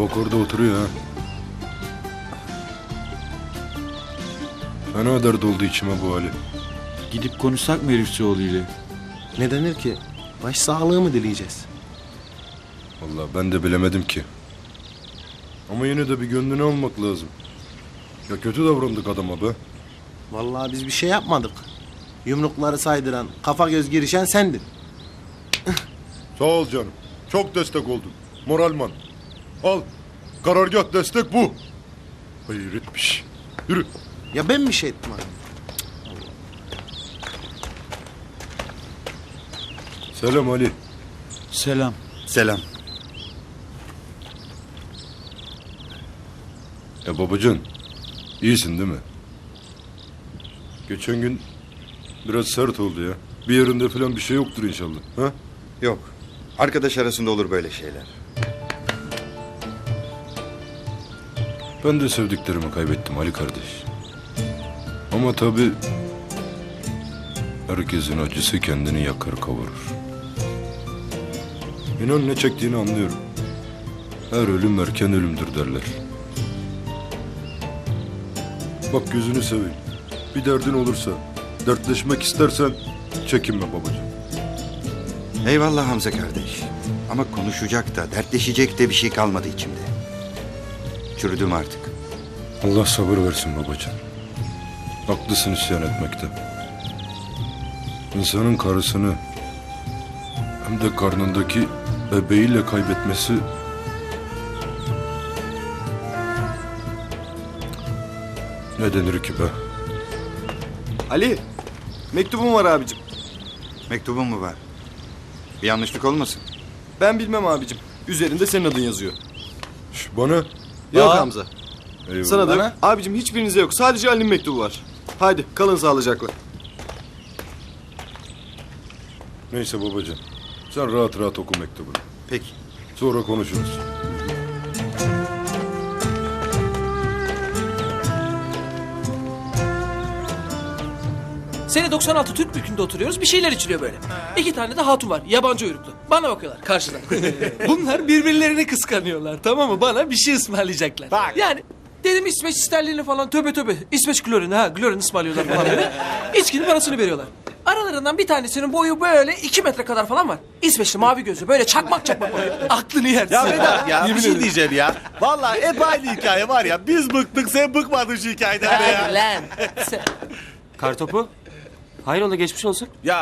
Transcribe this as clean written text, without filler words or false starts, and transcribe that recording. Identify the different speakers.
Speaker 1: Bak orada oturuyor ha. Fena dert oldu içime bu hali.
Speaker 2: Gidip konuşsak mı herifçioğlu ile?
Speaker 3: Ne denir ki? Baş sağlığı mı dileyeceğiz?
Speaker 1: Vallahi ben de bilemedim ki. Ama yine de bir gönlünü almak lazım. Ya kötü davrandık adama be.
Speaker 3: Vallahi biz bir şey yapmadık. Yumrukları saydıran, kafa göz girişen sendin.
Speaker 1: Sağ ol canım. Çok destek oldun. Moralman. Al. Karargah destek bu. Hayretmiş. Yürü.
Speaker 3: Ya ben bir şey ettim abi.
Speaker 1: Selam Ali.
Speaker 2: Selam.
Speaker 4: Selam.
Speaker 1: Babacan. İyisin değil mi? Geçen gün biraz sert oldu ya. Bir yerinde falan bir şey yoktur inşallah. Ha?
Speaker 4: Yok. Arkadaş arasında olur böyle şeyler.
Speaker 1: Ben de sevdiklerimi kaybettim Ali kardeş. Ama tabii herkesin acısı kendini yakar kavurur. İnan ne çektiğini anlıyorum. Her ölüm erken ölümdür derler. Bak gözünü seveyim. Bir derdin olursa, dertleşmek istersen çekinme babacığım.
Speaker 4: Eyvallah Hamza kardeş. Ama konuşacak da, dertleşecek de bir şey kalmadı içimde. Çürüdüm artık.
Speaker 1: Allah sabır versin babacığım. Haklısın isyan etmekte. İnsanın karısını hem de karnındaki bebeğiyle kaybetmesi ne denir ki be?
Speaker 5: Ali, mektubum var abicim.
Speaker 4: Mektubun mu var? Bir yanlışlık olmasın?
Speaker 5: Ben bilmem abicim. Üzerinde senin adın yazıyor.
Speaker 1: Bana
Speaker 5: Yok Hamza.
Speaker 1: eyvallah.
Speaker 5: Sana da abicim hiçbirinize yok. Sadece Ali'nin mektubu var. Haydi kalın sağlıcakla.
Speaker 1: Neyse babacığım. Sen rahat rahat oku mektubunu.
Speaker 4: Peki.
Speaker 1: Sonra konuşuruz.
Speaker 6: Sene 96 Türk mülkünde oturuyoruz. Bir şeyler içiliyor böyle. İki tane de hatun var. Yabancı uyruklu. Bana bakıyorlar karşıdan. Bunlar birbirlerini kıskanıyorlar. Tamam mı? Bana bir şey ısmarlayacaklar. Yani dedim İsveç sterlini falan töbe töbe. İsveç klorini ha. Klorini ısmarlıyorlar falan böyle. İçkinin parasını veriyorlar. Aralarından bir tanesinin boyu böyle 2 metre kadar falan var. İsveçli mavi gözlü böyle çakmak çakmak oluyor. Aklını yersin.
Speaker 7: Ya Vedat ya bir
Speaker 6: Yemin
Speaker 7: şey
Speaker 6: ederim.
Speaker 7: diyeceğim ya. Vallahi hep aynı hikaye var ya. Biz bıktık sen bıkmadın şu hikayeden be ya.
Speaker 6: Hadi lan.
Speaker 8: Kartopu. Hayrola geçmiş olsun.
Speaker 7: Ya